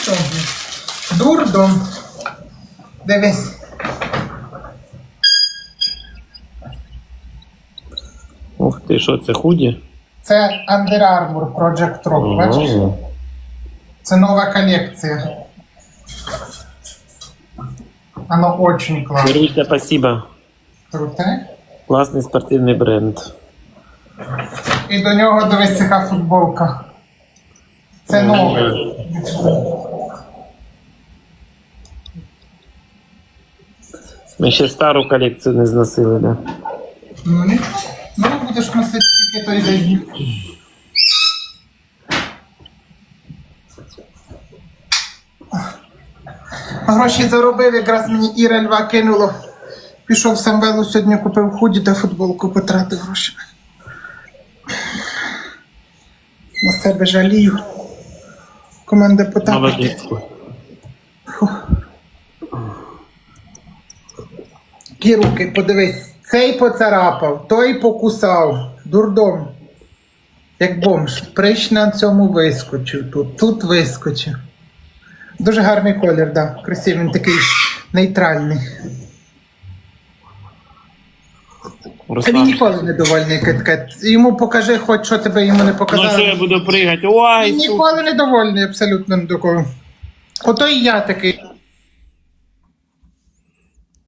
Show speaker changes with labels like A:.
A: Дурдом. Дивись.
B: Ух ти, що це, худі?
A: Це Under Armour Project Rock, бачиш? Це нова колекція. Оно очень классно.
B: Маруся, спасибо.
A: Круте.
B: Класний спортивний бренд.
A: І до нього дивись яка футболка. Це нове.
B: Ми ще стару колекцію не зносили, да?
A: Ну нічого. Ну будеш носити тільки той день. Гроші заробив, якраз мені Іра Льва кинуло. Пішов в Самвелу сьогодні, купив худі та футболку, потратив гроші. На себе жалію. Команда потапить.
B: Молодець.
A: Ті руки, подивись. Цей поцарапав, той покусав. Дурдом. Як бомж. Прищ на цьому вискочив. Тут вискочив. Дуже гарний колір, да. Красивий, він такий нейтральний. Він
B: Руслан.
A: ніколи не довольний кит-кет. Йому покажи, хоч що тебе йому не
B: Ну що
A: показали.
B: я буду пригати? Ой,
A: Він ніколи не довольний, абсолютно ні до кого. Ото і я такий.